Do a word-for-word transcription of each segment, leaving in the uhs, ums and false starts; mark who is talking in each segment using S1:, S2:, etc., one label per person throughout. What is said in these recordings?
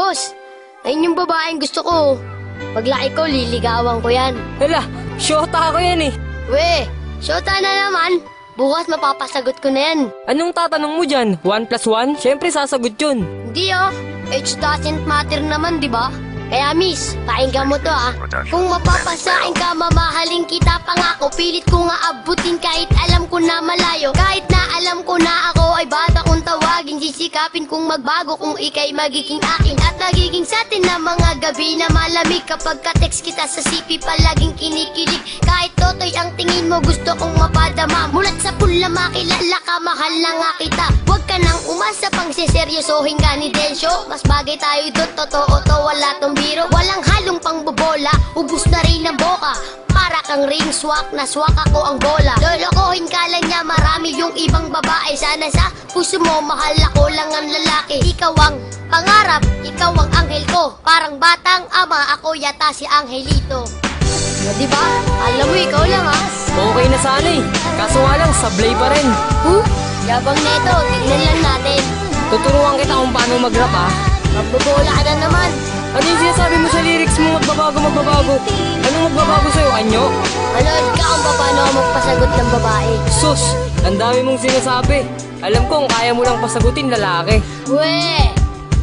S1: Boss, ayun yung babaeng gusto ko. Paglaki ko, liligawan ko yan.
S2: Hala, syota ako yan eh.
S1: We, syota na naman. Bukas mapapasagot ko na yan.
S2: Anong tatanong mo dyan? One plus one? Siyempre sasagot yun.
S1: Hindi oh, age doesn't matter naman, di ba? Kaya miss, pakinggan mo to ah. Kung mapapasain ka, mamahalin kita. Pangako, pilit ko nga abutin kahit alam ko na malayo. Kahit na alam ko na ako ay bata kung tawagin. Sisikapin kung magbago kung ikay magiging akin. At nagiging sa atin na mga gabi na malamig. Kapag ka-text kita sa C P palaging kinikilig. Kahit totoy ang tingin mo gusto kong mapadama. Mulat sa pula makilala ka, mahal na nga kita. Huwag ka nang umasa pang siseryosohin ka ni Densyo. Mas bagay tayo doon, totoo to, wala tong biro. Walang halong pangbobola, ubus na rin ang boka. Para kang ring swak, na swak ako ang bola. Lolokohin ka lang niya, marami yung ibang babae. Sana sa puso mo, mahal ako lang ang lalaki. Ikaw ang pangarap, ikaw ang anghel ko. Parang batang ama, ako yata si Angelito. O diba? Alam mo, ikaw lang ha.
S2: Okay na sana eh. Kaso nga lang, sablay pa rin.
S1: Huh? Yabang neto, tignan lang natin.
S2: Tuturuan kita kung paano mag-rap ha.
S1: Magbobola ka na naman.
S2: Ano yung sinasabi mo sa lyrics mo? Magbabago, magbabago. Anong magbabago sa'yo, anyo?
S1: Manood ka kung paano ako magpasagot ng babae.
S2: Sus, ang dami mong sinasabi. Alam ko kung kaya mo lang pasagutin lalaki.
S1: Weh!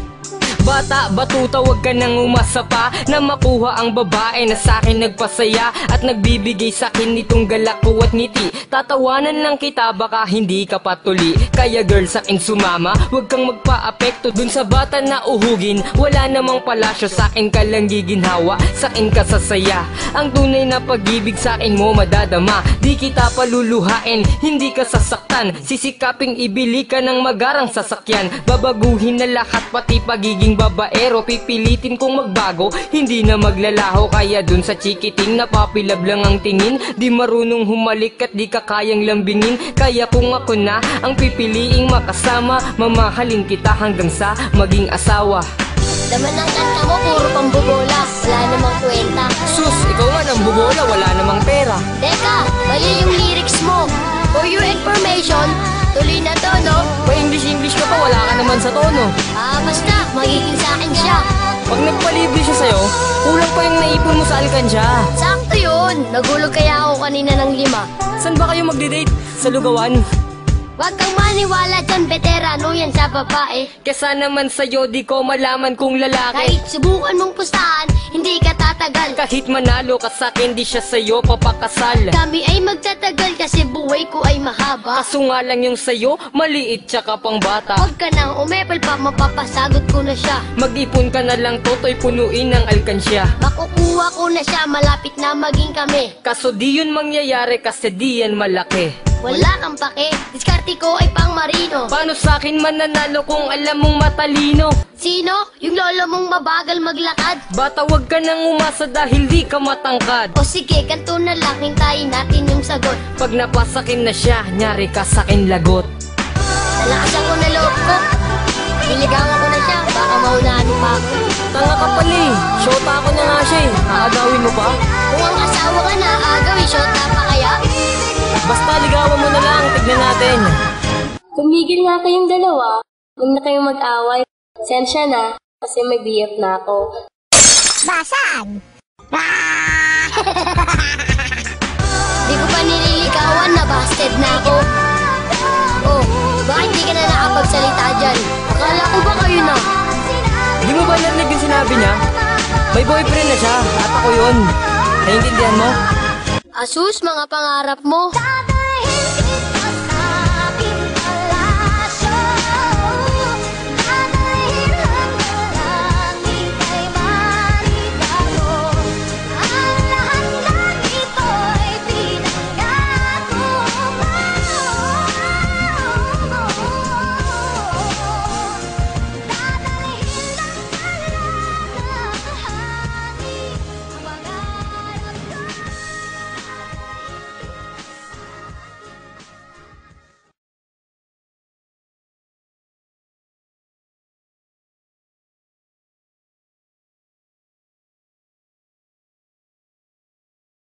S2: Bata, batuta, wag ka nang umasa pa na makuha ang babae na sa'kin nagpasaya at nagbibigay sa'kin nitong galak ko at ngiti. Tatawanan lang kita, baka hindi ka patuli. Kaya girl, sa'kin sumama, wag kang magpa-apekto dun sa bata na uhugin. Wala namang palasyo, sa'kin ka lang giginhawa, sa'kin ka sasaya. Ang tunay na pag-ibig sa'kin mo madadama. Di kita paluluhain, hindi ka sasaktan. Sisikaping ibili ka ng magarang sasakyan. Babaguhin na lahat, pati pagiging babaero. Pipilitin kong magbago, hindi na maglalaho. Kaya dun sa chikiting napapilab lang ang tingin. Di marunong humalik at di ka kayang lambingin. Kaya kung ako na ang pipiliing makasama, mamahalin kita hanggang sa maging asawa.
S1: Laman ng kanta mo, puro pambobola. Wala namang kwenta.
S2: Sus, ikaw nga nang bubola, wala namang pera.
S1: Teka, mali yung lyrics mo. For your information, tuloy na to, no?
S2: Pa-English-English ka pa, wala ka naman sa tono.
S1: Ah, basta, magiging sa akin siya.
S2: Pag nagpalibre siya sa'yo, kulang pa yung naipon mo sa alkansya.
S1: Sakto yun. Nagulog kaya ako kanina ng lima.
S2: Saan ba kayo magde-date? Sa lugawan?
S1: Huwag kang maniwala dyan, veterano yan sa babae.
S2: Kesa naman sa'yo, di ko malaman kung lalaki.
S1: Kahit subukan mong pustahan, hindi ka tatagal.
S2: Kahit manalo ka sa'kin, di siya sa'yo papakasal.
S1: Kami ay magtatagal kasi buhay ko ay mahaba.
S2: Kaso nga lang yung sa'yo, maliit tsaka pang bata.
S1: Huwag ka nang umepal pa, mapapasagot ko na siya.
S2: Mag-ipon ka na lang, toto'y punuin ng alkansya.
S1: Makukuha ko na siya, malapit na maging kami.
S2: Kaso di yun mangyayari kasi di yan malaki.
S1: Wala kang pake, diskarte ko ay pang marino.
S2: Paano sa'kin mananalo kung alam mong matalino?
S1: Sino? Yung lolo mong mabagal maglakad?
S2: Bata, wag ka nang umasa dahil di ka matangkad.
S1: O sige, ganito na lang, hintayin natin yung sagot.
S2: Pag napasakin na siya, nyari ka sa'kin lagot.
S1: Nalakasan ko na loob ko. Niligawan ko na siya, baka maunahan pa ako.
S2: Tanga ka pala eh, shota ako na nga siya eh. Aagawin mo pa?
S1: Kung ang asawa ka na, agawin, shota pa kaya?
S2: Basta ligawan mo na lang, tignan natin.
S3: Tumigil nga kayong dalawa. Huwag na kayong mag-away. Sensya na, kasi may B F na ako.
S1: Basag! Di ko pa nililigawan, nabasted na ako. Oh, bakit di ka na nakapagsalita dyan? Akala ko ba kayo na?
S2: Di mo ba narinig yung sinabi niya? May boyfriend na siya, at ako yun. Naiintindihan mo?
S1: Asus, mga pangarap mo.